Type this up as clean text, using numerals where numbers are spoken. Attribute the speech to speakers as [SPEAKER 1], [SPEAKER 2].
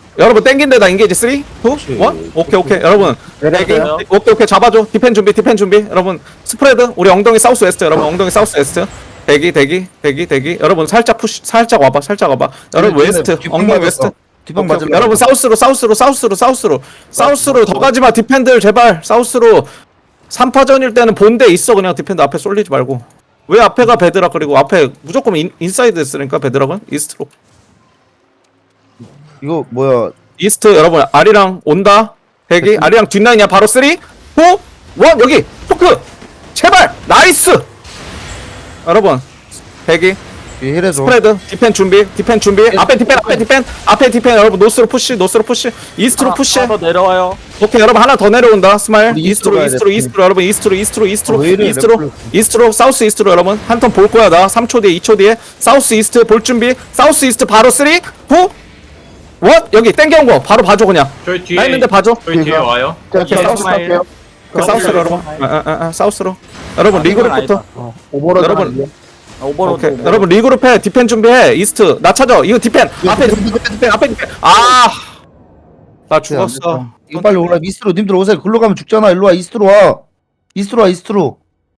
[SPEAKER 1] 여러분 땡긴데다 인게이지 3, 2, 1. 오케이. 여러분 대기. 오케이. 잡아줘. 디펜 준비. 여러분 스프레드. 우리 엉덩이 사우스 웨스트. 여러분 엉덩이 사우스 웨스트. 대기. 여러분 살짝 푸시. 살짝 와봐. 여러분 웨스트. 엉덩이 웨스트.
[SPEAKER 2] 뒷방
[SPEAKER 1] 오케이.
[SPEAKER 2] 맞으려고.
[SPEAKER 1] 여러분 사우스로 더 가지마. 디펜들 제발 사우스로. 3파전일 때는 본대 있어. 그냥 디펜드 앞에 쏠리지 말고. 왜 앞에가 베드락 그리고 앞에 무조건 인사이드 했으니까 베드락은 이스트로.
[SPEAKER 2] 이거 뭐야?
[SPEAKER 1] 이스트 여러분 아리랑 온다. 대기. 아리랑 뒷라인이야. 바로 3, 2, 1 여기 토크 제발 나이스. 여러분 대기.
[SPEAKER 2] 이 힐에서.
[SPEAKER 1] 스프레드 디펜 준비 앞에 디펜 여러분 노스로 푸시 이스트로 푸시.
[SPEAKER 3] 하나 더 내려와요.
[SPEAKER 1] 오케이 여러분 하나 더 내려온다. 스마일
[SPEAKER 2] 우리 이스트로 가야 돼.
[SPEAKER 1] 이스트로 여러분 이스트로
[SPEAKER 2] 왜 이래,
[SPEAKER 1] 이스트로 사우스 이스트로 여러분 한 턴 볼 거야. 나 3초 뒤에 2초 뒤에 사우스 이스트 볼 준비. 사우스 이스트 바로 3, 2, 1 여기 땡겨온 거 바로 봐줘 그냥.
[SPEAKER 4] 저희 뒤에
[SPEAKER 1] 나 있는데 봐줘.
[SPEAKER 4] 저희 뒤에 와요.
[SPEAKER 1] 오케이 사우스 갈게요. 사우스로 여러분 사우스로 여러분 리그룹부터
[SPEAKER 2] 오버로드.
[SPEAKER 1] 여러분.
[SPEAKER 3] 오버로드.
[SPEAKER 1] 오케이 여러분 리그룹 해. 디펜 준비해. 이스트 나 찾아. 이거 디펜 앞에 디펜 나 죽었어.
[SPEAKER 2] 이거 빨리 오라. 이스트로 님들 오세요. 글로 가면 죽잖아. 일로 와. 이스트로 와. 이스트로.